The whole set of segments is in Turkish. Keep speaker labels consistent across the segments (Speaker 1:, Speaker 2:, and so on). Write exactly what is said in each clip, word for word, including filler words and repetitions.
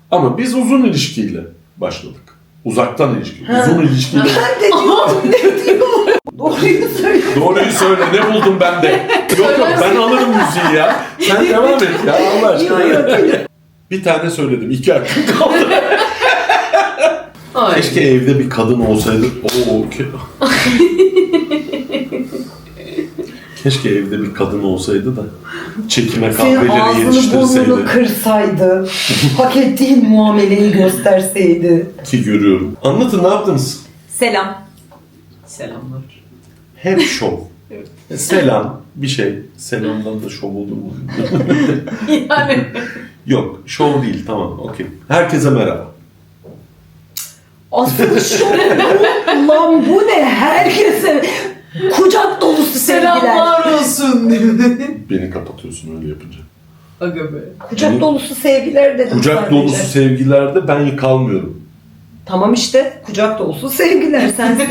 Speaker 1: Ama biz uzun ilişkiyle başladık. Uzaktan ilişki.
Speaker 2: Ha.
Speaker 1: Uzun ilişkiyle.
Speaker 2: Ben de diyorum ne diyorum. Doğruyu söyle.
Speaker 1: Doğruyu söyle. Ne buldum ben de? Yok yok ben alırım müziği ya. Sen devam et ya Allah aşkına.
Speaker 2: Yok, yok.
Speaker 1: Bir tane söyledim. İki hakkım kaldı.
Speaker 3: Ay.
Speaker 1: Keşke evde bir kadın olsaydı. Oo, ke- Keşke evde bir kadın olsaydı da çekime
Speaker 2: Senin
Speaker 1: kahveleri
Speaker 2: ağzını
Speaker 1: yetiştirseydi.
Speaker 2: burnunu kırsaydı. Hak ettiğin muameleyi gösterseydi.
Speaker 1: Ki görüyorum. Anlatın ne yaptınız?
Speaker 2: Selam.
Speaker 3: Selamlar.
Speaker 1: Hep şov.
Speaker 3: Evet.
Speaker 1: Selam bir şey. Selamdan da şov olur mu?
Speaker 3: Yani.
Speaker 1: Yok şov değil tamam okey. Herkese merhaba.
Speaker 2: Asıl şu bu. Lan bu ne? Herkese kucak dolusu sevgiler.
Speaker 3: Selamlar olsun.
Speaker 1: Beni kapatıyorsun öyle yapınca.
Speaker 3: Aga be.
Speaker 2: Kucak dolusu sevgiler dedim
Speaker 1: Kucak
Speaker 2: sadece.
Speaker 1: dolusu sevgilerde ben kalmıyorum.
Speaker 2: Tamam işte kucak dolusu sevgiler sensin.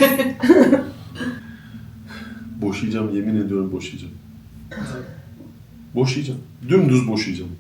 Speaker 1: Boşayacağım yemin ediyorum boşayacağım. Boşayacağım. Dümdüz boşayacağım.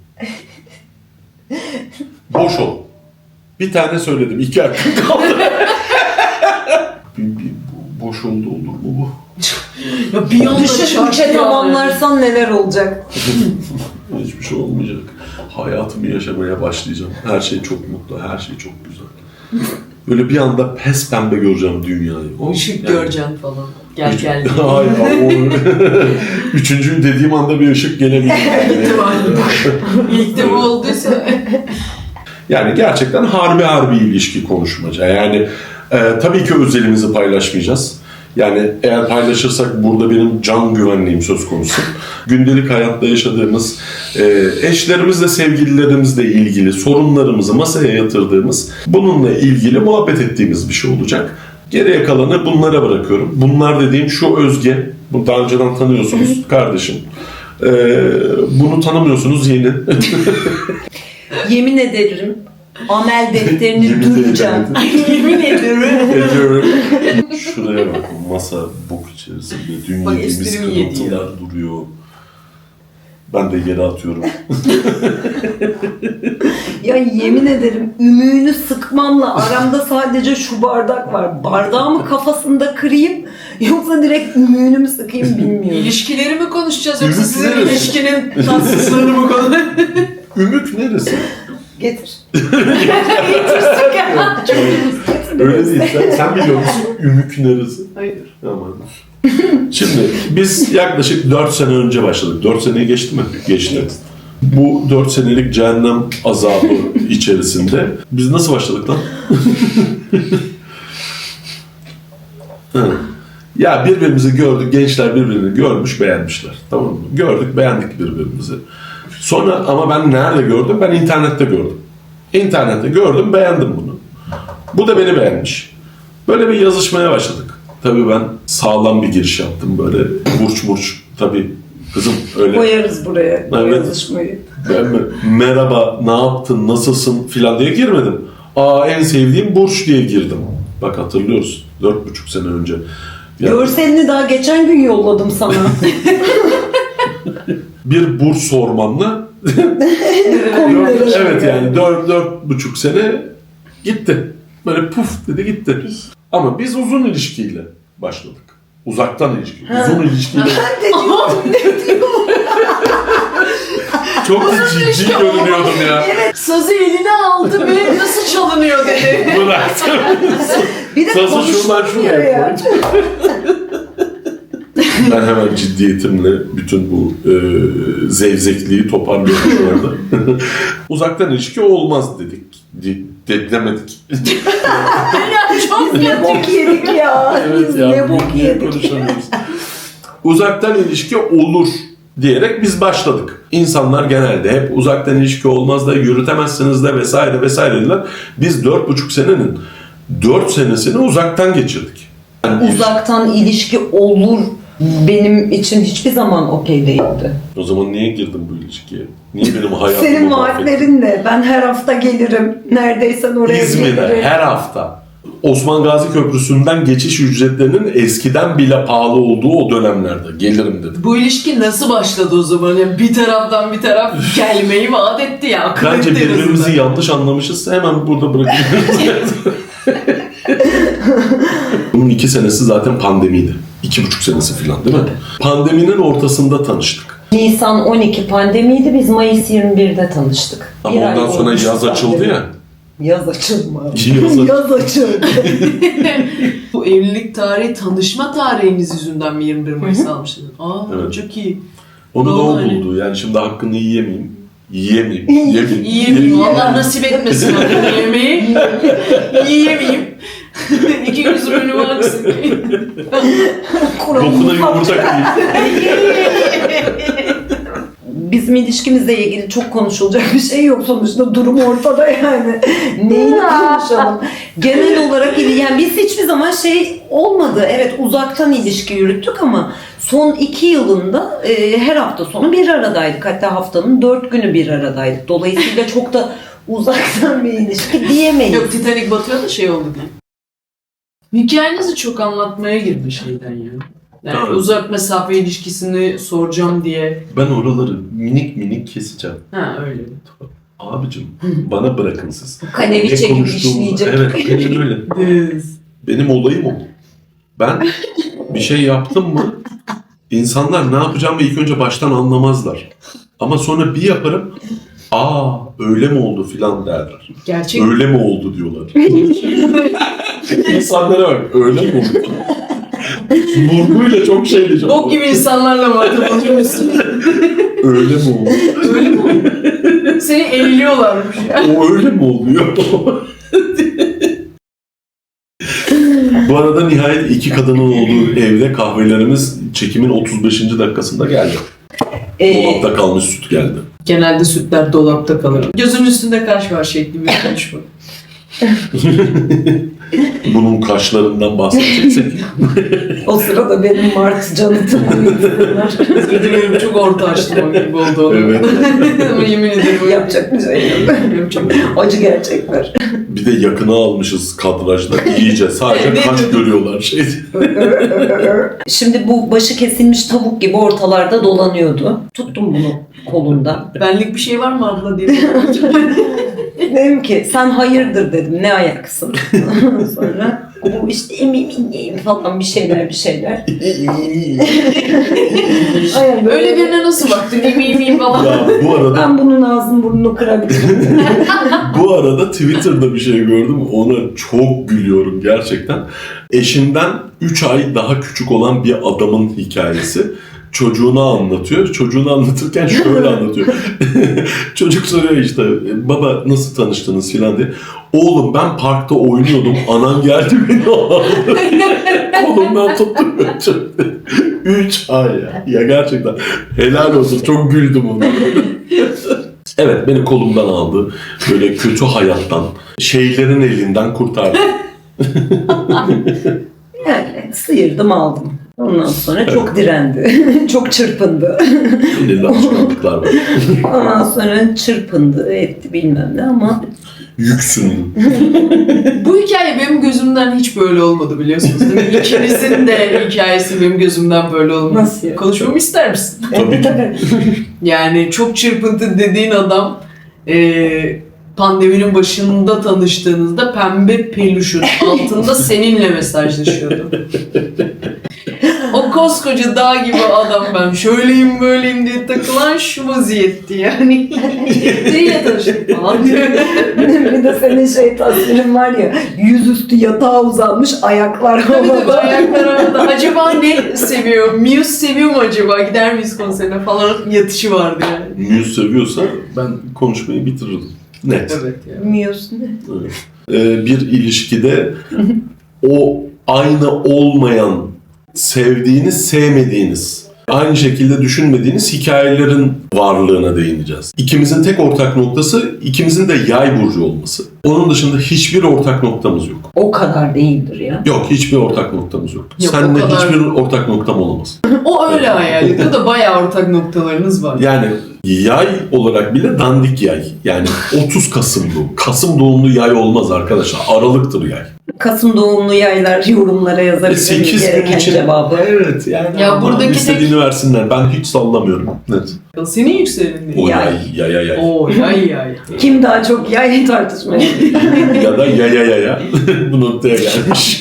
Speaker 1: Boş ol. Bir tane söyledim. İki hakkım kaldı. bir, bir boş oldu olur mu bu?
Speaker 3: Ya bir anda
Speaker 2: Düşün
Speaker 3: şarkı
Speaker 2: üçe
Speaker 3: yani.
Speaker 2: tamamlarsan neler olacak?
Speaker 1: Hiçbir şey olmayacak. Hayatımı yaşamaya başlayacağım. Her şey çok mutlu, her şey çok güzel. Böyle bir anda pes pembe göreceğim dünyayı. O,
Speaker 3: Işık
Speaker 1: yani-
Speaker 3: göreceksin falan. Gel
Speaker 1: Üç-
Speaker 3: gel.
Speaker 1: Hayır, o... Üçüncüyü dediğim anda bir ışık gelebilir.
Speaker 3: İlk de bu olduysa.
Speaker 1: Yani gerçekten harbi harbi ilişki konuşmaca. Yani e, tabii ki özelimizi paylaşmayacağız. Yani eğer paylaşırsak burada benim can güvenliğim söz konusu. Gündelik hayatta yaşadığımız, e, eşlerimizle, sevgililerimizle ilgili sorunlarımızı masaya yatırdığımız, bununla ilgili muhabbet ettiğimiz bir şey olacak. Geriye kalanı bunlara bırakıyorum. Bunlar dediğim şu Özge, bunu daha önceden tanıyorsunuz kardeşim. E, bunu tanımıyorsunuz yeni.
Speaker 2: Yemin ederim amel defterini
Speaker 1: Yemin
Speaker 2: duyacağım.
Speaker 3: Yemin ederim.
Speaker 1: Ediyorum. Şuraya bak, masa bok içerisinde dün
Speaker 3: Bak,
Speaker 1: yediğimiz
Speaker 3: esprimi yedi
Speaker 1: kırıntılar duruyor. Ben de yere atıyorum.
Speaker 2: Ya yemin ederim ümüğünü sıkmamla aramda sadece şu bardak var. Bardağı mı kafasında kırayım yoksa direkt ümüğünü mü sıkayım bilmiyorum.
Speaker 3: İlişkileri mi konuşacağız yoksa
Speaker 1: Ümit
Speaker 3: sizin
Speaker 1: neresi?
Speaker 3: ilişkinin tatsızlığını mı konuşacağız?
Speaker 1: Ümük neresi?
Speaker 2: Getir.
Speaker 1: Öyle değil. Sen, sen biliyor musun ümük neresi?
Speaker 3: Hayır.
Speaker 1: Aman. Şimdi biz yaklaşık dört sene önce başladık. dört seneyi geçti mi? Geçti. Bu dört senelik cehennem azabı içerisinde biz nasıl başladık lan? Hı. Ya birbirimizi gördük, gençler birbirini görmüş, beğenmişler. Tamam mı? Gördük, beğendik birbirimizi. Sonra ama ben nerede gördüm? Ben internette gördüm. İnternette gördüm, beğendim bunu. Bu da beni beğenmiş. Böyle bir yazışmaya başladık. Tabii ben sağlam bir giriş yaptım böyle burç burç. Tabii kızım öyle.
Speaker 2: Koyarız buraya
Speaker 1: Evet.
Speaker 2: yazışmayı.
Speaker 1: Ben mi, merhaba, ne yaptın, nasılsın filan diye girmedim. Aa en sevdiğim burç diye girdim. Bak hatırlıyoruz. Dört buçuk sene önce. Ya,
Speaker 2: Görselini daha geçen gün yolladım sana.
Speaker 1: bir burç sormamla
Speaker 2: Konuları
Speaker 1: evet yani dört, dört buçuk sene gitti. Böyle puf dedi gitti. Ama biz uzun ilişkiyle başladık. Uzaktan ilişki.
Speaker 2: Ha.
Speaker 1: Uzun ilişkiyle.
Speaker 2: Ben de diyorum ne diyorum.
Speaker 1: Çok da ciddi görünüyordum ya.
Speaker 3: Sazı eline aldı ve nasıl çalınıyor dedi.
Speaker 1: Bıraktım.
Speaker 2: Bir de
Speaker 1: Sazı şuradan
Speaker 2: konuşulmuyor
Speaker 1: şuraya
Speaker 2: ya.
Speaker 1: koydum. Ben hemen ciddiyetimle bütün bu e, zevzekliği toparlıyorum şu anda. Uzaktan ilişki olmaz dedik. De, de, demedik.
Speaker 3: Ya çok
Speaker 2: Ne bok yedik ya.
Speaker 1: Evet
Speaker 2: Biz
Speaker 1: ya,
Speaker 2: ne bok
Speaker 1: niye
Speaker 2: yedik.
Speaker 1: konuşamıyoruz? Uzaktan ilişki olur diyerek biz başladık. İnsanlar genelde hep uzaktan ilişki olmaz da yürütemezsiniz de vesaire vesaire dediler. Biz dört buçuk senenin dört senesini uzaktan geçirdik. Yani
Speaker 2: Uzaktan ilişki olur benim için hiçbir zaman okey değildi.
Speaker 1: o zaman niye girdim bu ilişkiye? Niye benim hayatımı
Speaker 2: Senin
Speaker 1: mahvettin?
Speaker 2: vaatlerin ne? Ben her hafta gelirim. Neredeysen oraya
Speaker 1: İzmir'e
Speaker 2: gelirim.
Speaker 1: her hafta. Osman Gazi Köprüsü'nden geçiş ücretlerinin eskiden bile pahalı olduğu o dönemlerde gelirim dedim.
Speaker 3: Bu ilişki nasıl başladı o zaman? Yani bir taraftan bir taraf gelmeyi vaat etti ya. Akıl
Speaker 1: Bence
Speaker 3: etti en
Speaker 1: birbirimizi
Speaker 3: azından.
Speaker 1: yanlış anlamışız. Hemen burada bırakıyoruz. Bunun iki senesi zaten pandemiydi. İki buçuk senesi falan değil mi? Pandeminin ortasında tanıştık.
Speaker 2: Nisan on iki pandemiydi. Biz Mayıs yirmi birde tanıştık.
Speaker 1: Ama
Speaker 2: Bir ay
Speaker 1: ondan sonra
Speaker 2: olmuştu
Speaker 1: yaz açıldı
Speaker 2: pandemi.
Speaker 1: ya.
Speaker 2: Yaz açılmadı.
Speaker 1: Yaz-
Speaker 2: Yaz açıldı.
Speaker 3: Bu evlilik tarihi tanışma tarihimiz yüzünden mi yirmi bir Mayıs almışsınız? Aa
Speaker 1: Evet.
Speaker 3: çok iyi.
Speaker 1: Onu da o
Speaker 3: Vallahi.
Speaker 1: buldu. Yani şimdi hakkını yiyemeyeyim. Yiyemeyeyim. Yiyemeyeyim.
Speaker 3: Yiyemeyeyim. Allah nasip etmesin hakkını yemeği. Yiyemeyeyim. İki gözüm önüme aksın.
Speaker 1: Dokuna yumurta kırayım.
Speaker 2: Bizim ilişkimizle ilgili çok konuşulacak bir şey yok sonuçta, durum ortada yani. Neyini konuşalım? Genel olarak iyi. Yani biz hiçbir zaman şey olmadı. Evet, uzaktan ilişki yürüttük ama son iki yılında e, her hafta sonu bir aradaydık. Hatta haftanın dört günü bir aradaydık. Dolayısıyla çok da uzaktan bir ilişki diyemeyiz.
Speaker 3: Yok, Titanic batıyor da şey oldu diye. Hikayenizi çok anlatmaya girdi şeyden ya. Yani
Speaker 1: Evet.
Speaker 3: uzak mesafe ilişkisini soracağım diye.
Speaker 1: Ben oraları minik minik keseceğim.
Speaker 3: Ha öyle.
Speaker 1: Abicim bana bırakın siz.
Speaker 2: Kaneviçe
Speaker 1: Ne
Speaker 2: gibi
Speaker 1: konuştuğumuzu-
Speaker 2: işleyecek.
Speaker 1: Evet, benim öyle.
Speaker 3: Biz.
Speaker 1: Benim olayım o. Ben bir şey yaptım mı insanlar ne yapacağımı ilk önce baştan anlamazlar. Ama sonra bir yaparım, aa öyle mi oldu filan derler.
Speaker 3: Gerçek.
Speaker 1: Öyle mi oldu diyorlar. İnsanlara bak, öyle mi oldu? Vurguyla çok şey diyeceğim.
Speaker 3: Bok gibi insanlarla muhatap oluyorsun.
Speaker 1: Öyle mi oldu?
Speaker 3: Öyle mi oldu? Seni elliyorlarmış ya.
Speaker 1: O öyle mi oluyor? Bu arada nihayet iki kadının olduğu evde kahvelerimiz çekimin otuz beşinci dakikasında geldi.
Speaker 2: Ee,
Speaker 1: Dolapta kalmış süt geldi.
Speaker 3: Genelde sütler dolapta kalır. Gözün üstünde kaş var şekli bir konuşma.
Speaker 1: Bunun kaşlarından bahsedeceksek.
Speaker 2: o sırada benim Mart canıtım uyuyorlar.
Speaker 3: Özür dilerim, çok orta açtım o gibi oldu onu.
Speaker 1: Evet.
Speaker 3: Ama yemin ederim öyle.
Speaker 2: Yapacak bir şey yok.
Speaker 3: Yapacak bir şey yok.
Speaker 2: Acı gerçekler.
Speaker 1: Bir de yakına almışız kadrajda iyice. Sadece
Speaker 3: Ne
Speaker 1: kaş
Speaker 3: dedim?
Speaker 1: görüyorlar şey.
Speaker 2: Şimdi bu başı kesilmiş tavuk gibi ortalarda dolanıyordu. Tuttum bunu kolundan.
Speaker 3: Benlik bir şey var mı abla diye.
Speaker 2: Dedim ki sen hayırdır dedim, ne ayaksın. Sonra bu işte eminim falan bir şeyler bir şeyler. Ay, böyle-
Speaker 3: Öyle birine nasıl baktın? Eminim miyim falan.
Speaker 1: Ya bu arada
Speaker 2: Ben bunun ağzını burnunu kırabilirim.
Speaker 1: bu arada Twitter'da bir şey gördüm. Ona çok gülüyorum gerçekten. Eşinden üç ay daha küçük olan bir adamın hikayesi. Çocuğunu anlatıyor. Çocuğunu anlatırken şöyle anlatıyor. Çocuk soruyor işte, baba nasıl tanıştınız filan diye. Oğlum ben parkta oynuyordum. Anan geldi beni aldı. Kolumdan tuttu götürdü. Üç ay ya. Ya gerçekten helal olsun. Çok güldüm ona. Evet, beni kolumdan aldı. Böyle kötü hayattan, şeylerin elinden kurtardı.
Speaker 2: Yani sıyırdım aldım. Ondan sonra çok direndi. çok çırpındı.
Speaker 1: Elinde alışkanlıklar var.
Speaker 2: Ondan sonra çırpındı, etti bilmem ne ama
Speaker 1: Yüksündü.
Speaker 3: Bu hikaye benim gözümden hiç böyle olmadı biliyorsunuz. Değil mi? İkinizin de hikayesi benim gözümden böyle olmadı.
Speaker 2: Nasıl ya?
Speaker 3: Konuşmamı ister misin?
Speaker 1: Tabii ki.
Speaker 3: Yani çok çırpıntı dediğin adam e, pandeminin başında tanıştığınızda pembe peluşun altında seninle mesajlaşıyordu. O koskoca dağ gibi adam ben şöyleyim böyleyim diye takılan şu vaziyetti yani. Neyle tanıştık falan diyor.
Speaker 2: bir de senin şey tasvirin var ya, yüzüstü yatağa uzanmış, ayaklar
Speaker 3: Tabii tabii
Speaker 2: havada.
Speaker 3: ayaklar arada. Acaba ne seviyor? Muse seviyor mu acaba? Gider miyiz konserine falan yatışı vardı yani.
Speaker 1: Muse seviyorsa ben konuşmayı bitiririm. Net.
Speaker 3: Evet ya.
Speaker 2: Bilmiyorsun ne?
Speaker 1: Evet. Ee, bir ilişkide o aynı olmayan, sevdiğiniz, sevmediğiniz, aynı şekilde düşünmediğiniz hikayelerin varlığına değineceğiz. İkimizin tek ortak noktası ikimizin de yay burcu olması. Onun dışında hiçbir ortak noktamız yok.
Speaker 2: O kadar değildir ya.
Speaker 1: Yok, hiçbir ortak noktamız yok.
Speaker 3: Yok,
Speaker 1: Seninle
Speaker 3: o kadar.
Speaker 1: hiçbir ortak noktam olamaz.
Speaker 3: O öyle hayal ediyor da bayağı ortak noktalarınız var.
Speaker 1: Yani yay olarak bile dandik yay. Yani otuz Kasım doğumlu. Kasım doğumlu yay olmaz arkadaşlar. Aralıktır yay.
Speaker 2: Kasım doğumlu yaylar yorumlara yazabilir
Speaker 1: sekiz gün
Speaker 2: gereken
Speaker 1: için.
Speaker 2: cevabı.
Speaker 1: Evet yani.
Speaker 3: Ya
Speaker 1: ama
Speaker 3: buradaki
Speaker 1: istediğini
Speaker 3: tek-
Speaker 1: versinler. Ben hiç sallamıyorum. Evet.
Speaker 3: Senin yükselenin
Speaker 1: O
Speaker 3: ne?
Speaker 1: yay, yay, yay, yay.
Speaker 3: Oo yay yay.
Speaker 2: Kim daha çok yay tartışmaya?
Speaker 1: Ya da ya ya ya ya. Bu noktaya gelmiş.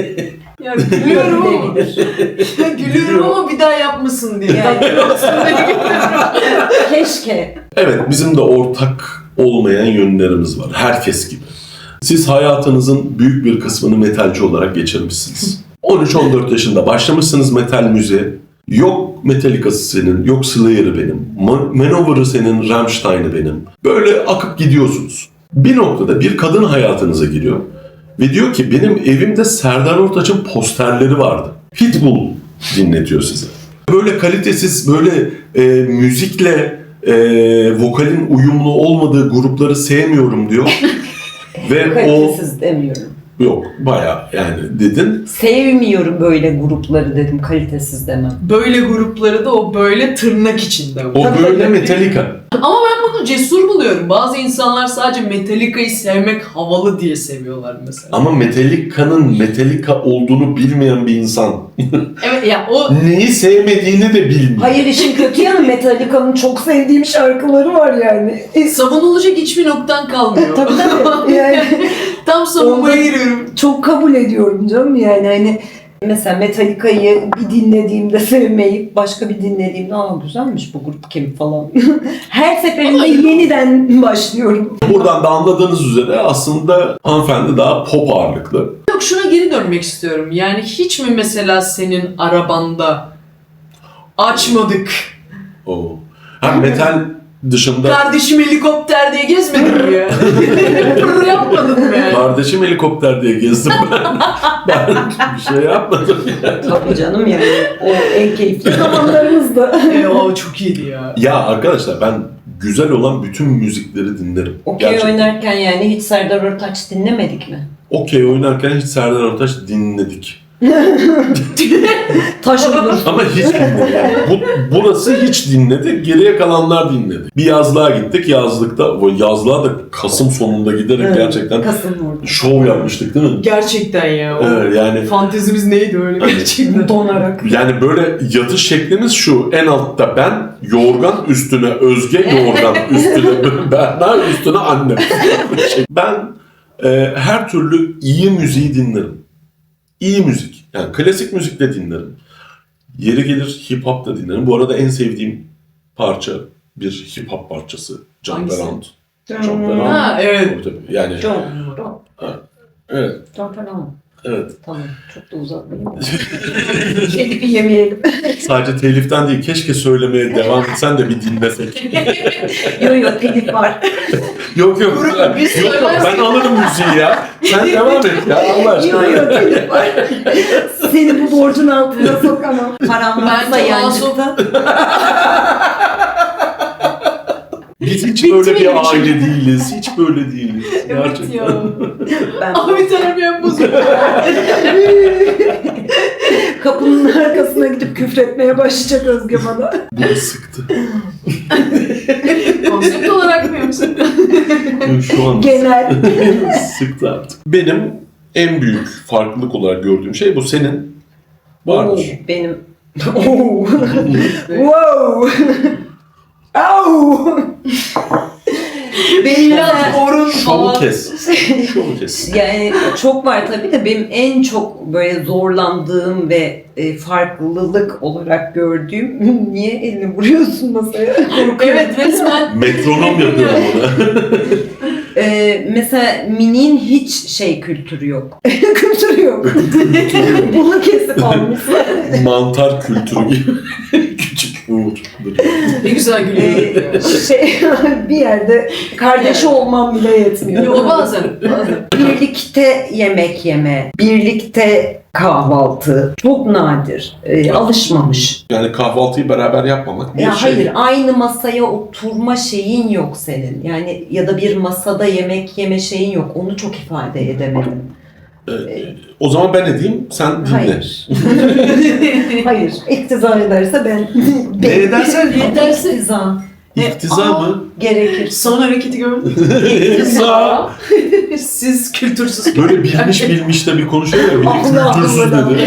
Speaker 3: Ya gülüyorum ama. Ya gülüyorum ama bir daha yapmasın diye.
Speaker 2: Yani-
Speaker 3: Tatlı olsun diye gülüyorum.
Speaker 2: Keşke.
Speaker 1: Evet, bizim de ortak olmayan yönlerimiz var. Herkes gibi. Siz hayatınızın büyük bir kısmını metalci olarak geçirmişsiniz. on üç on dört yaşında başlamışsınız metal müziğe. Yok Metallica'sı senin, yok Slayer'ı benim, Ma- Manowar'ı senin, Rammstein'ı benim. Böyle akıp gidiyorsunuz. Bir noktada bir kadın hayatınıza giriyor ve diyor ki benim evimde Serdar Ortaç'ın posterleri vardı. Pitbull dinletiyor size. Böyle kalitesiz, böyle e, müzikle e, vokalin uyumlu olmadığı grupları sevmiyorum diyor. Ve o
Speaker 2: Kalitesiz demiyorum.
Speaker 1: yok bayağı yani dedin.
Speaker 2: Sevmiyorum böyle grupları dedim, kalitesiz demem.
Speaker 3: Böyle grupları da o böyle tırnak içinde.
Speaker 1: O böyle Metallica.
Speaker 3: Ama ben bunu cesur buluyorum. Bazı insanlar sadece Metallica'yı sevmek havalı diye seviyorlar mesela.
Speaker 1: Ama Metallica'nın Metallica olduğunu bilmeyen bir insan
Speaker 3: Evet ya o
Speaker 1: neyi sevmediğini de bilmiyor.
Speaker 2: Hayır, işin kötü yanı Metallica'nın çok sevdiğim şarkıları var yani. E,
Speaker 3: savunulacak hiçbir noktan kalmıyor.
Speaker 2: tabii tabii. Yani
Speaker 3: Tam savunmaya giriyorum.
Speaker 2: çok kabul ediyorum canım yani hani mesela Metallica'yı bir dinlediğimde sevmeyip başka bir dinlediğimde aa güzelmiş bu grup kim falan. Her seferinde yeniden başlıyorum.
Speaker 1: Buradan da anladığınız üzere aslında hanımefendi daha pop ağırlıklı.
Speaker 3: Yok şuna geri dönmek istiyorum. Yani hiç mi mesela senin arabanda açmadık?
Speaker 1: O. Ha metal dışında
Speaker 3: Kardeşim helikopter diye gezmedin mi ya? Pırr yapmadın mı yani?
Speaker 1: kardeşim helikopter diye gezdim ben. Ben bir şey yapmadım.
Speaker 2: Tabii canım yani o en keyifli zamanlarımızdı.
Speaker 3: E, o çok iyiydi ya.
Speaker 1: Ya arkadaşlar ben güzel olan bütün müzikleri dinlerim.
Speaker 2: Okey
Speaker 1: Gerçekten.
Speaker 2: oynarken yani hiç Serdar Ortaç dinlemedik mi?
Speaker 1: Okey oynarken hiç Serdar Ortaç dinledik.
Speaker 2: Taş olur.
Speaker 1: Ama hiç dinledik. Yani bu, burası hiç dinledi. Geriye kalanlar dinledi. Bir yazlığa gittik. Yazlıkta, o yazlığa da Kasım sonunda giderek
Speaker 2: Evet,
Speaker 1: gerçekten
Speaker 2: Kasım orada.
Speaker 1: şov yapmıştık değil mi?
Speaker 3: Gerçekten ya. O
Speaker 1: Evet, yani
Speaker 3: fantezimiz neydi öyle gerçekten?
Speaker 2: Donarak.
Speaker 1: yani böyle yatış şeklimiz şu. En altta ben, yorgan üstüne Özge, yorgan üstüne Berna, üstüne annem. Ben e, her türlü iyi müziği dinlerim. İyi müzik. Yani klasik müzik de dinlerim. Yeri gelir hip hop da dinlerim. Bu arada en sevdiğim parça bir hip hop parçası. Jump
Speaker 3: Hangisi?
Speaker 1: Around. Jump Around.
Speaker 3: Ha evet.
Speaker 1: Tabii, tabii. Yani
Speaker 2: John.
Speaker 1: evet,
Speaker 2: John falan.
Speaker 1: evet.
Speaker 2: Tamam. Çok da uzatmayayım. Kedipi yemeyelim.
Speaker 1: Sadece teliften değil, keşke söylemeye devam etsen de bir dinlesek.
Speaker 2: Yo yo telif var.
Speaker 1: Yok yok.
Speaker 3: Grup
Speaker 1: yok,
Speaker 3: biz
Speaker 1: yok
Speaker 3: söylersek-
Speaker 1: ben alırım müziği ya. Sen devam et ya Allah
Speaker 2: Yo
Speaker 1: aşkına.
Speaker 2: yo telif var. Seni bu borcun altına sokamam. Param varsa
Speaker 3: Bence
Speaker 2: yancıkta.
Speaker 1: Biz hiç
Speaker 3: Bitti
Speaker 1: böyle
Speaker 3: benim
Speaker 1: bir
Speaker 3: işim.
Speaker 1: aile değiliz. Hiç böyle değiliz.
Speaker 3: Evet
Speaker 1: Gerçekten.
Speaker 3: ya.
Speaker 2: Ben
Speaker 3: Abi terbiyem bozuldu.
Speaker 2: kapının arkasına gidip küfretmeye başlayacak Özge bana.
Speaker 1: Bunu sıktı.
Speaker 3: Konsept olarak mı yoksa?
Speaker 1: Şu an
Speaker 2: Genel.
Speaker 1: sıktı artık. Benim en büyük farklılık olarak gördüğüm şey bu. Senin
Speaker 2: Oo,
Speaker 1: vardır.
Speaker 2: benim. Oo. Wow. Au. Benim
Speaker 3: Biraz
Speaker 2: mesela-
Speaker 3: orun
Speaker 1: Şovu
Speaker 3: falan.
Speaker 1: kes. Şovu kes.
Speaker 2: Yani çok var tabii de benim en çok böyle zorlandığım ve e, farklılık olarak gördüğüm niye elini vuruyorsun masaya? Korkuyorum.
Speaker 3: Evet resmen.
Speaker 1: Metronom yapıyorum ona.
Speaker 2: E, mesela Mini'nin hiç şey kültürü yok. Kültürü yok. Bunu kesip almışlar.
Speaker 1: Mantar kültürü gibi. Küçük Uğur.
Speaker 3: Ne güzel gülüyor.
Speaker 2: E, şey bir yerde kardeşi olmam bile yetmiyor.
Speaker 3: Yo bazen. Bazen.
Speaker 2: Birlikte yemek yeme, birlikte kahvaltı çok nadir. Ee, alışmamış.
Speaker 1: Yani kahvaltıyı beraber yapmamak bir
Speaker 2: Ya
Speaker 1: şey.
Speaker 2: hayır, aynı masaya oturma şeyin yok senin. Yani ya da bir masada yemek yeme şeyin yok. Onu çok ifade edemedim.
Speaker 1: Ee, o zaman ben edeyim, sen dinle.
Speaker 2: Hayır. Hayır. İktizar ederse ben...
Speaker 1: Ne edersen
Speaker 3: Yeterse
Speaker 2: İktizar
Speaker 1: İktiza
Speaker 3: Aa.
Speaker 1: mı?
Speaker 2: gerekir.
Speaker 3: son hareketi gördün mü?
Speaker 1: İktiza.
Speaker 3: Siz kültürsüz.
Speaker 1: Böyle bilmiş bilmiş de bir konuşuyor ya. Bir de
Speaker 2: Allah
Speaker 1: kültürsüz
Speaker 2: Allah.
Speaker 1: dedi.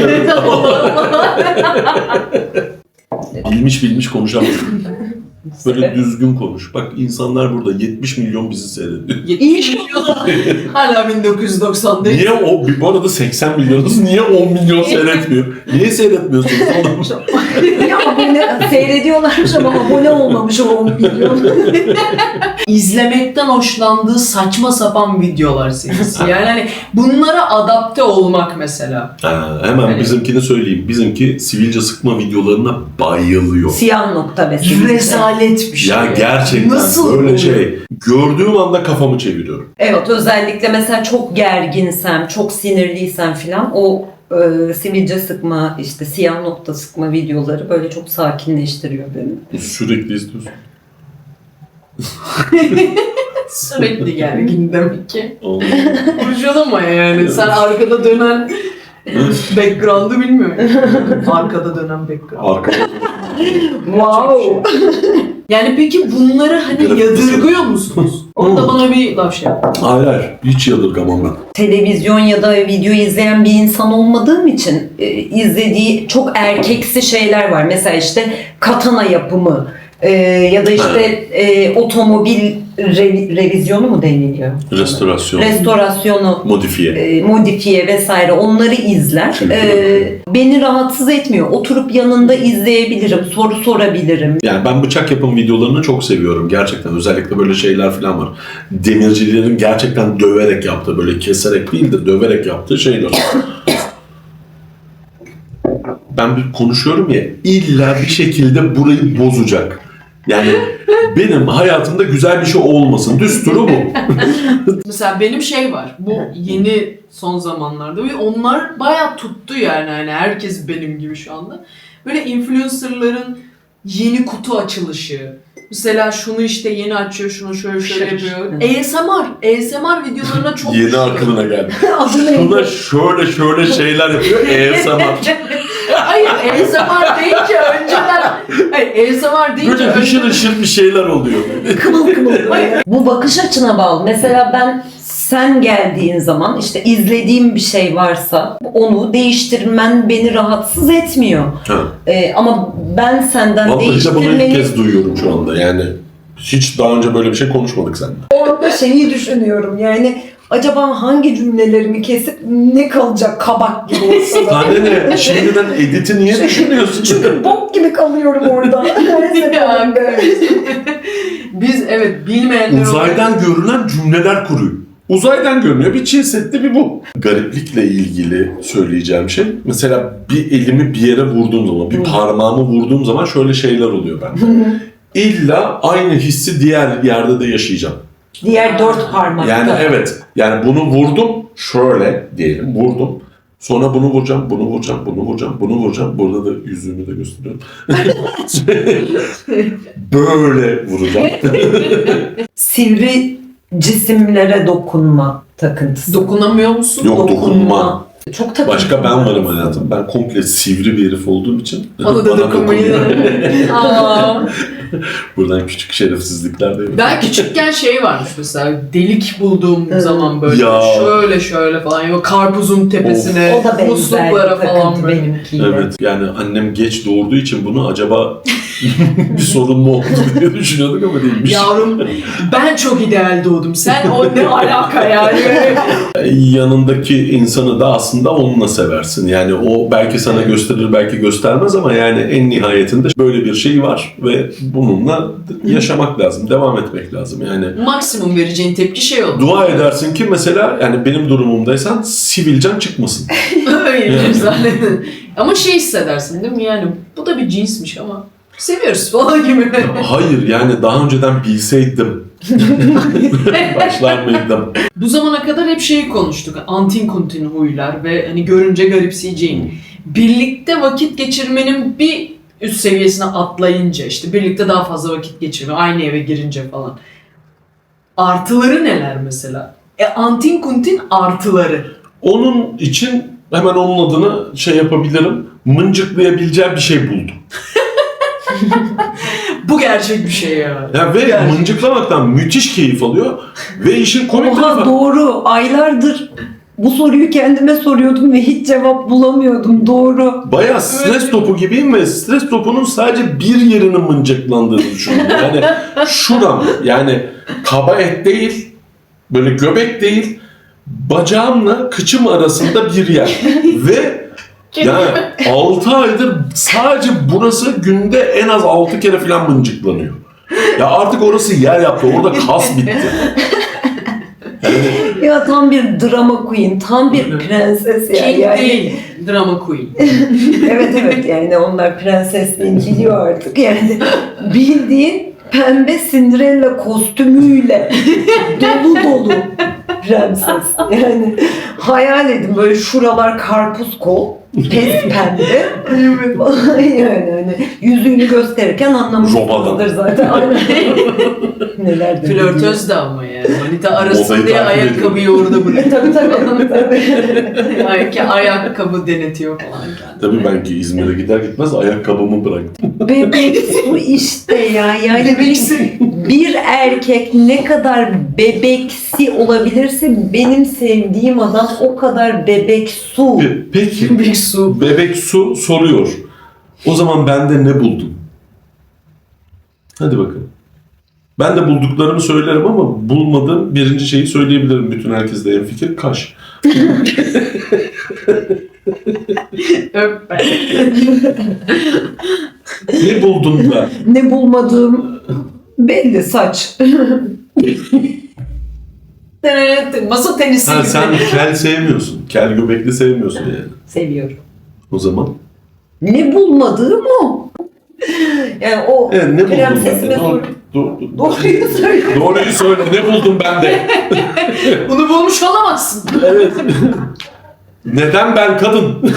Speaker 1: Evet. Bilmiş bilmiş konuşamaz. Böyle düzgün konuş. Bak insanlar burada yetmiş milyon bizi seyrediyor.
Speaker 3: İnşallah. Hala bin dokuz yüz doksandayız.
Speaker 1: Niye o, bu arada seksen milyonuz, niye on milyon seyretmiyor? Niye seyretmiyorsunuz oğlum?
Speaker 2: Ya abone seyrediyorlarmış ama abone olmamış o on milyon.
Speaker 3: İzlemekten hoşlandığı saçma sapan videolar serisi. Yani hani bunlara adapte olmak mesela.
Speaker 1: Ha, hemen
Speaker 3: Evet.
Speaker 1: bizimkini söyleyeyim. Bizimki sivilce sıkma videolarına bayılıyor.
Speaker 2: Siyah nokta mesela.
Speaker 3: Rezalet bir şey.
Speaker 1: Ya gerçekten
Speaker 3: Nasıl
Speaker 1: böyle
Speaker 3: oluyor?
Speaker 1: şey. Gördüğüm anda kafamı çeviriyorum.
Speaker 2: Evet, özellikle mesela çok gerginsem, çok sinirliysem filan o e, sivilce sıkma, işte siyah nokta sıkma videoları böyle çok sakinleştiriyor beni.
Speaker 1: Sürekli izliyorsun.
Speaker 3: Sürekli gergin demek ki.
Speaker 1: Allah.
Speaker 3: Kurcalama yani. Sen arkada dönen background'ı bilmiyorum. Arkada dönen background.
Speaker 1: Arkada.
Speaker 2: Wow.
Speaker 3: Yani peki bunları hani
Speaker 1: Grafik
Speaker 3: yadırgıyor musunuz? Orada bana bir laf şey yap.
Speaker 1: Hayır hayır. Hiç yadırgamam ben.
Speaker 2: Televizyon ya da video izleyen bir insan olmadığım için e, izlediği çok erkeksi şeyler var. Mesela işte katana yapımı e, ya da işte e, otomobil re- revizyonu mu deniliyor?
Speaker 1: Restorasyon.
Speaker 2: Restorasyonu,
Speaker 1: Modifiye.
Speaker 2: e, modifiye vesaire onları izler.
Speaker 1: Çünkü-
Speaker 2: E, beni rahatsız etmiyor. Oturup yanında izleyebilirim, soru sorabilirim.
Speaker 1: Yani ben bıçak yapım videolarını çok seviyorum gerçekten. Özellikle böyle şeyler falan var. Demircilerin gerçekten döverek yaptığı, böyle keserek değil de döverek yaptığı şeyler. Ben bir konuşuyorum ya, illa bir şekilde burayı bozacak. Yani benim hayatımda güzel bir şey olmasın. Düsturu bu.
Speaker 3: Mesela benim şey var. Bu yeni son zamanlarda ve onlar bayağı tuttu yani. Hani herkes benim gibi şu anda. Böyle influencerların yeni kutu açılışı. Mesela şunu işte yeni açıyor, şunu şöyle şöyle yapıyor. A S M R. A S M R videolarına çok
Speaker 1: Yeni aklına geldi.
Speaker 2: Adı
Speaker 1: Şuna şöyle şöyle şeyler yapıyor. A S M R.
Speaker 3: Hayır, A S M R deyince önceden... Hayır, A S M R deyince
Speaker 1: Böyle hışır
Speaker 3: önceden...
Speaker 1: hışır bir şeyler oluyor.
Speaker 2: Kımıl kımıl. Bu bakış açına bağlı. Mesela ben sen geldiğin zaman işte izlediğim bir şey varsa onu değiştirmen beni rahatsız etmiyor.
Speaker 1: Ha.
Speaker 2: Ee, ama ben senden
Speaker 1: Vallahi işte bunu ilk
Speaker 2: değiştirmeni...
Speaker 1: kez duyuyorum şu anda yani. Hiç daha önce böyle bir şey konuşmadık seninle.
Speaker 2: Orada şeyi düşünüyorum yani acaba hangi cümlelerimi kesip ne kalacak kabak gibi olsa da.
Speaker 1: Anne ne? Şimdiden editi niye düşünüyorsun?
Speaker 2: Çünkü bok gibi kalıyorum orada. Her seferinde.
Speaker 3: Biz evet bilmeyenler
Speaker 1: Uzaydan görülen cümleler kuruyor. Uzaydan görünüyor. Bir Çin Seddi bir bu. Gariplikle ilgili söyleyeceğim şey. Mesela bir elimi bir yere vurduğum zaman, bir parmağımı vurduğum zaman şöyle şeyler oluyor bende. İlla aynı hissi diğer yerde de yaşayacağım.
Speaker 2: Diğer dört parmakta.
Speaker 1: Yani evet. Yani bunu vurdum. Şöyle diyelim vurdum. Sonra bunu vuracağım, bunu vuracağım, bunu vuracağım, bunu vuracağım. Burada da yüzümü de gösteriyorum. Böyle vuracağım.
Speaker 2: Sivri cisimlere dokunma takıntısı.
Speaker 3: dokunamıyor musun?
Speaker 1: Yok, dokunma.
Speaker 2: Çok takıntı.
Speaker 1: Başka ben varım hayatım. Ben komple sivri bir herif olduğum için.
Speaker 3: Bana da dokunmayı.
Speaker 1: dokunuyor.
Speaker 3: Aa.
Speaker 1: Buradan küçük şerefsizlikler de yok.
Speaker 3: Ben küçükken şey varmış mesela delik bulduğum
Speaker 2: Evet.
Speaker 3: zaman böyle
Speaker 1: Ya.
Speaker 3: şöyle şöyle falan ya karpuzun tepesine
Speaker 2: O da benzer bir
Speaker 3: musluklara falan
Speaker 2: takıntı
Speaker 3: böyle.
Speaker 2: benimkiyle.
Speaker 1: Evet yani annem geç doğurduğu için bunu acaba bir sorun mu oldu diye düşünüyorduk ama değilmiş.
Speaker 3: Yavrum ben çok ideal doğdum. Sen o ne alaka yani?
Speaker 1: Yanındaki insanı da aslında onunla seversin. Yani o belki sana gösterir belki göstermez ama yani en nihayetinde böyle bir şey var ve bununla yaşamak lazım, devam etmek lazım. Yani
Speaker 3: Maksimum vereceğin tepki şey oldu.
Speaker 1: dua edersin ki mesela yani benim durumumdaysan sivilcen çıkmasın.
Speaker 3: Öyle güzel. Ama şey hissedersin değil mi yani bu da bir cinsmiş ama seviyoruz falan gibi.
Speaker 1: Hayır yani daha önceden bilseydim Başlar mıydım?
Speaker 3: Bu zamana kadar hep şeyi konuştuk. Antin kuntin huylar ve hani görünce garipseyeceğin. Birlikte vakit geçirmenin bir üst seviyesine atlayınca işte birlikte daha fazla vakit geçirme, aynı eve girince falan. Artıları neler mesela? E antin kuntin artıları.
Speaker 1: Onun için hemen onun adını şey yapabilirim. Mıncıklayabileceğim bir şey buldum.
Speaker 3: Bu gerçek bir şey ya.
Speaker 1: Ya ve
Speaker 3: Gerçek.
Speaker 1: mıncıklamaktan müthiş keyif alıyor. Ve işin komik
Speaker 2: Oha
Speaker 1: tarafı...
Speaker 2: doğru. Aylardır bu soruyu kendime soruyordum ve hiç cevap bulamıyordum. Doğru.
Speaker 1: Bayağı stres topu gibiyim ve stres topunun sadece bir yerinin mıncıklandığını düşünüyorum. Yani şuram, yani kaba et değil, böyle göbek değil, bacağımla kıçım arasında bir yer. Ve yani altı aydır sadece burası günde en az altı kere falan mıncıklanıyor. Ya artık orası yer yaptı, orada kas bitti. Yani
Speaker 2: Ya tam bir drama queen, tam bir prenses ya.
Speaker 3: King
Speaker 2: Yani.
Speaker 3: değil, drama queen.
Speaker 2: Evet evet yani onlar prensesliğini biliyor artık yani. Bildiğin pembe Cinderella kostümüyle dolu dolu prenses. Yani hayal edin böyle şuralar karpuz kol, pes pembe. Yani hani yüzüğünü gösterirken anlamışsınızdır zaten. Aynen. Neler de
Speaker 3: Flörtöz de ama yani. Manita arasın
Speaker 1: Modayı
Speaker 3: diye
Speaker 1: takip
Speaker 3: ayakkabıyı orada bırakıyor.
Speaker 2: tabii tabii. tabii.
Speaker 3: Ay, ayakkabı denetiyor falan kendine.
Speaker 1: tabii ben ki İzmir'e gider gitmez ayakkabımı bıraktım.
Speaker 2: Bebek su işte ya. Yani
Speaker 3: Bebeksi.
Speaker 2: bir erkek ne kadar bebeksi olabilirse benim sevdiğim adam o kadar bebek su.
Speaker 1: Pe- Peki
Speaker 3: Bebek su.
Speaker 1: Bebek Su soruyor. O zaman bende ne buldun? Hadi bakalım. Ben de bulduklarımı söylerim ama bulmadığım birinci şeyi söyleyebilirim. Bütün herkes de en fikir kaş.
Speaker 3: Öp be.
Speaker 1: Ne buldun da?
Speaker 2: Ne bulmadığım belli saç.
Speaker 3: Masa tenisi
Speaker 1: Ha,
Speaker 3: gibi.
Speaker 1: sen kel sevmiyorsun. Kel göbekli sevmiyorsun yani.
Speaker 2: Seviyorum.
Speaker 1: O zaman.
Speaker 2: Ne bulmadığım o. Yani o
Speaker 1: Evet, ne buldun
Speaker 2: prensesime
Speaker 1: bende?
Speaker 2: sor.
Speaker 1: Doğru, doğru,
Speaker 2: Doğruyu söyle.
Speaker 1: Doğruyu söyle. Ne buldun bende?
Speaker 3: Bunu bulmuş olamazsın.
Speaker 1: Evet. Neden ben kadın?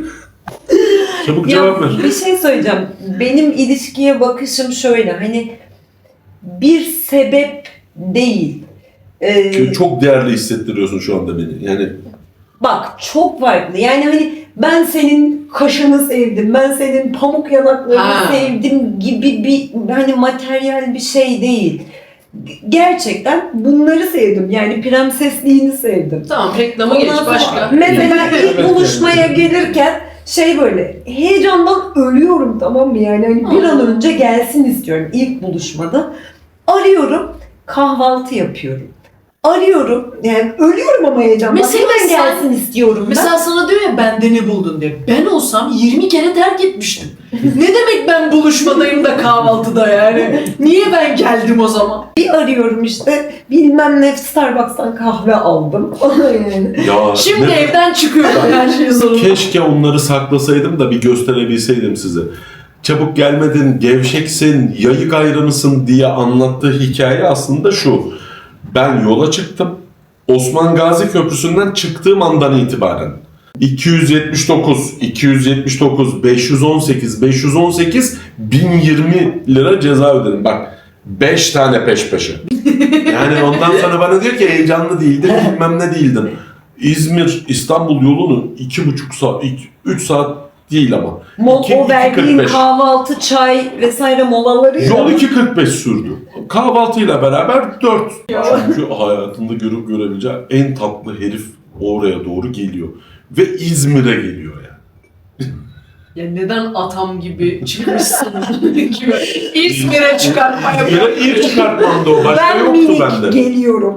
Speaker 1: Çabuk cevap ver.
Speaker 2: Ya bir şey söyleyeceğim. Benim ilişkiye bakışım şöyle. Hani bir sebep değil. Ee,
Speaker 1: Çünkü çok değerli hissettiriyorsun şu anda beni. Yani
Speaker 2: Bak çok farklı. Yani hani ben senin kaşını sevdim, ben senin pamuk yanaklarını
Speaker 3: Ha.
Speaker 2: sevdim gibi bir hani materyal bir şey değil. Gerçekten bunları sevdim. Yani prensesliğini sevdim.
Speaker 3: Tamam reklama geç
Speaker 2: Ondan sonra
Speaker 3: başka.
Speaker 2: Mesela ilk
Speaker 1: Evet,
Speaker 2: buluşmaya gelirken şey böyle heyecandan ölüyorum tamam mı? Yani hani bir an önce gelsin istiyorum ilk buluşmada. Arıyorum, kahvaltı yapıyorum. Arıyorum, yani ölüyorum ama heyecandan.
Speaker 3: Mesela
Speaker 2: Hemen
Speaker 3: sen-
Speaker 2: gelsin istiyorum ben.
Speaker 3: Mesela sana diyor ya bende ne buldun diye. Ben olsam yirmi kere terk etmiştim. Ne demek ben buluşmadayım da kahvaltıda yani? Niye ben geldim o zaman?
Speaker 2: Bir arıyorum işte bilmem ne Starbucks'tan kahve aldım. yani.
Speaker 1: ya
Speaker 3: Şimdi
Speaker 1: ne-
Speaker 3: evden çıkıyorum her şey zorunda.
Speaker 1: keşke onları saklasaydım da bir gösterebilseydim size. Çabuk gelmedin, gevşeksin, yayık ayranısın diye anlattığı hikaye aslında şu. Ben yola çıktım. Osman Gazi Köprüsü'nden çıktığım andan itibaren iki yüz yetmiş dokuz, iki yüz yetmiş dokuz, beş yüz on sekiz, beş yüz on sekiz, bin yirmi lira ceza ödedim. Bak beş tane peş peşe. Yani ondan sonra bana diyor ki heyecanlı değildin, bilmem ne değildin. İzmir, İstanbul yolunu iki buçuk saat, üç saat değil ama.
Speaker 2: Mol,
Speaker 1: İki-
Speaker 2: o
Speaker 1: iki
Speaker 2: verdiğin
Speaker 1: kırk beş.
Speaker 2: kahvaltı, çay vesaire molaları.
Speaker 1: Yol iki kırk beş sürdü. Kahvaltıyla beraber dört. Çünkü hayatında görüp görebileceği en tatlı herif oraya doğru geliyor. Ve İzmir'e geliyor yani.
Speaker 3: Ya neden atam gibi çıkmışsın gibi İzmir'e çıkartmaya
Speaker 1: İzmir'e ilk çıkartmamda o. Başka
Speaker 2: Ben
Speaker 1: yoktu
Speaker 2: minik
Speaker 1: bende.
Speaker 2: geliyorum.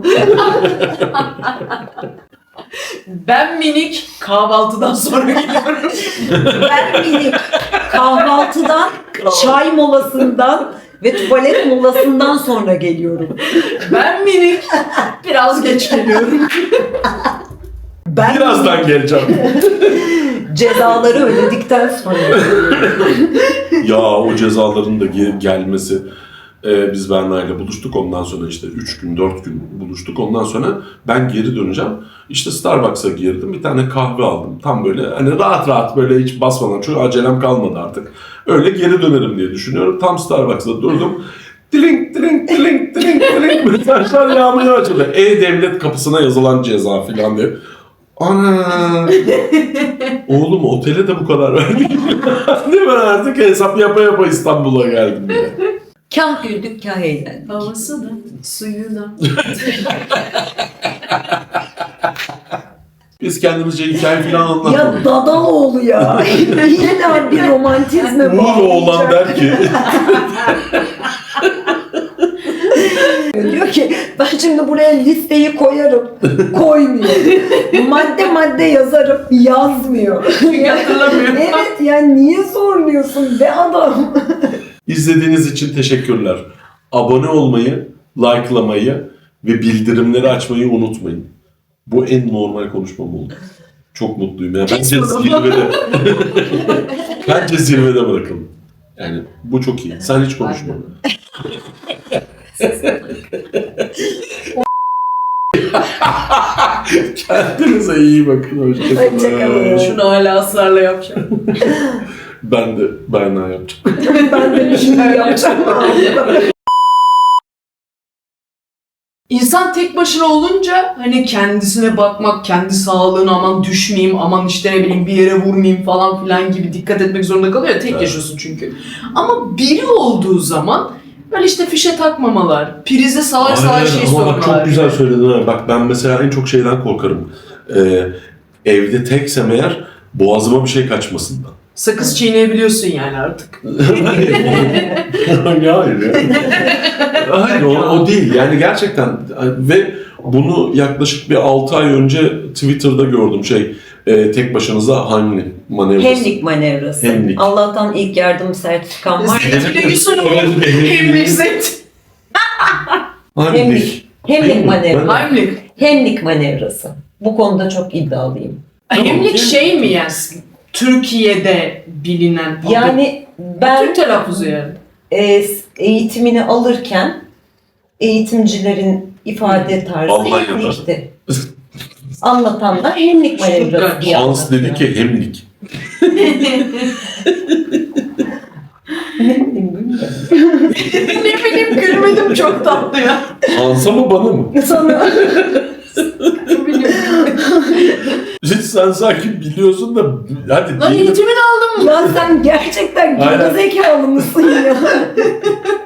Speaker 3: Ben minik kahvaltıdan sonra geliyorum.
Speaker 2: Ben minik kahvaltıdan, çay molasından ve tuvalet molasından sonra geliyorum.
Speaker 3: Ben minik biraz geç geliyorum.
Speaker 2: Ben
Speaker 1: Birazdan geleceğim.
Speaker 2: cezaları ödedikten sonra.
Speaker 1: Ya o cezaların da ge- gelmesi. Ee, biz Berna ile buluştuk. Ondan sonra işte üç gün, dört gün buluştuk. Ondan sonra ben geri döneceğim. İşte Starbucks'a girdim. Bir tane kahve aldım. Tam böyle hani rahat rahat böyle hiç basmadan. Çünkü acelem kalmadı artık. Öyle geri dönerim diye düşünüyorum. Tam Starbucks'ta durdum. Dilink dilink dilink dilink dilink mesajlar yağmaya başladı. E-Devlet kapısına yazılan ceza falan diye. Ana! Oğlum otele de bu kadar verdik. Değil mi? Artık hesap yapa yapa İstanbul'a geldim diye.
Speaker 2: Kah güldük kah eğlendik.
Speaker 3: Havası da, suyu da.
Speaker 1: Biz kendimizce hikaye falan
Speaker 2: Ya
Speaker 1: anlatmadık.
Speaker 2: Dadaloğlu ya. Yine bir romantizme
Speaker 1: Uğur oğlan der ki
Speaker 2: Diyor ki ben şimdi buraya listeyi koyarım. Koymuyor. Madde madde yazarım. Yazmıyor.
Speaker 3: Çünkü hatırlamıyor.
Speaker 2: Evet yani niye sormuyorsun be adam?
Speaker 1: izlediğiniz için teşekkürler. Abone olmayı, likelamayı ve bildirimleri açmayı unutmayın. Bu en normal konuşmam oldu. Çok mutluyum ya. Bence
Speaker 3: Kes bunu.
Speaker 1: zirvede. Bence zirvede bırakalım. Yani bu çok iyi. Sen hiç konuşma. Kendinize iyi bakın. Hoşçakalın.
Speaker 2: Hoşçakalın.
Speaker 3: Şunu hala ısrarla yapacağım.
Speaker 1: Ben de Berna yapacağım.
Speaker 2: Ben de bir şey yapacağım.
Speaker 3: İnsan tek başına olunca hani kendisine bakmak, kendi sağlığına aman düşmeyeyim, aman işte ne bileyim bir yere vurmayayım falan filan gibi dikkat etmek zorunda kalıyor ya, tek
Speaker 1: Evet.
Speaker 3: yaşıyorsun çünkü. Ama biri olduğu zaman böyle işte fişe takmamalar, prize salak salak şey
Speaker 1: Ama bak
Speaker 3: sokmalar.
Speaker 1: çok güzel söyledin ha. Bak ben mesela en çok şeyden korkarım. Ee, evde teksem eğer boğazıma bir şey kaçmasından.
Speaker 3: Sakız çiğneyebiliyorsun yani artık.
Speaker 1: Hayır ya. Hayır o, o değil. Yani gerçekten ve bunu yaklaşık bir altı ay önce Twitter'da gördüm şey e, tek başınıza Heimlich manevrası.
Speaker 2: Hemlik manevrası.
Speaker 1: Hemlik.
Speaker 2: Allah'tan ilk yardım sertifikam var.
Speaker 3: Hemlik zet.
Speaker 1: Heimlich.
Speaker 2: Hemlik manevrası.
Speaker 3: Heimlich.
Speaker 2: Hemlik manevrası. Bu konuda çok iddialıyım.
Speaker 3: Hemlik şey mi yani? Türkiye'de bilinen adı.
Speaker 2: Yani ben
Speaker 3: Türk telaffuzu yani.
Speaker 2: e, eğitimini alırken eğitimcilerin ifade tarzı
Speaker 1: Almanya'da.
Speaker 2: hemlikti. Anlatan da hemlik manevrası diye
Speaker 1: Hans dedi
Speaker 2: anlatıyor.
Speaker 1: ki Heimlich.
Speaker 2: Ne bileyim bilmiyorum.
Speaker 3: Ne bileyim gülmedim, çok tatlı ya.
Speaker 1: Hans'a mı bana mı?
Speaker 2: Sana
Speaker 3: Ne bileyim.
Speaker 1: Hiç sen sanki biliyorsun da hadi
Speaker 3: Lan
Speaker 1: diyelim.
Speaker 3: eğitimini aldım mı?
Speaker 2: ya sen gerçekten
Speaker 1: Aynen.
Speaker 2: gerizekalı mısın ya?